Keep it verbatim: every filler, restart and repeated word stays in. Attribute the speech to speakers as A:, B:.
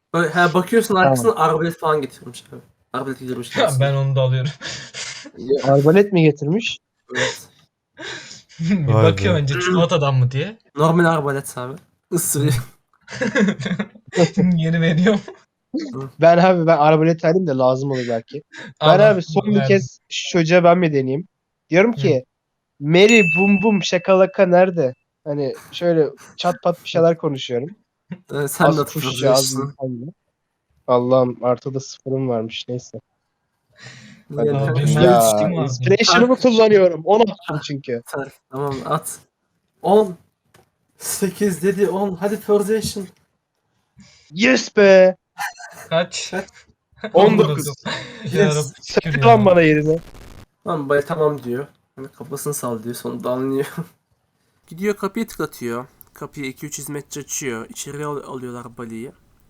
A: Böyle he bakıyorsun
B: Tamam.
A: arkasına arbalet falan getirmiş abi. Arbalet getirmiş
C: Ya
A: aslında.
C: ben onu da alıyorum.
B: Arbalet mi getirmiş?
A: Evet.
C: Bir
D: Vay
C: bakıyor
D: be.
C: önce çikolatadan mı diye.
A: Normal arbalet abi. Isırıyor.
C: Yeni veriyorum.
B: Ben abi ben arbalet alayım da lazım olur belki. Ben
C: Allah
B: abi son bir
C: verdim.
B: kez şu çocuğa ben mi deneyeyim? Diyorum
C: Hı.
B: ki Mary bum bum şakalaka nerede? Hani şöyle çat pat bir şeyler konuşuyorum.
A: Ee, sen de
B: Az kuşça az
A: hatırlıyorsun.
B: insanla. Allah'ım artıda sıfırım varmış neyse. Hadi
A: Yani,
C: Aa,
B: bakayım
C: benim
B: ya.
C: yetişkin vardı.
B: Inspiration'ımı kullanıyorum. on attım çünkü.
A: Atar. Tamam at. on. sekiz dedi on. Hadi Persian.
B: Yes be.
C: Kaç?
A: Kaç?
B: on dokuz.
C: Ya
A: Yes.
C: Rabbi şükür
B: Sakın
C: ya.
B: lan bana yerine.
A: Tamam bay tamam diyor. Hani kafasını sallıyor sonunda anlıyor. Gidiyor kapıyı tıklatıyor. Kapıyı iki üç hizmetçi açıyor. İçeri al- alıyorlar Bali'yi.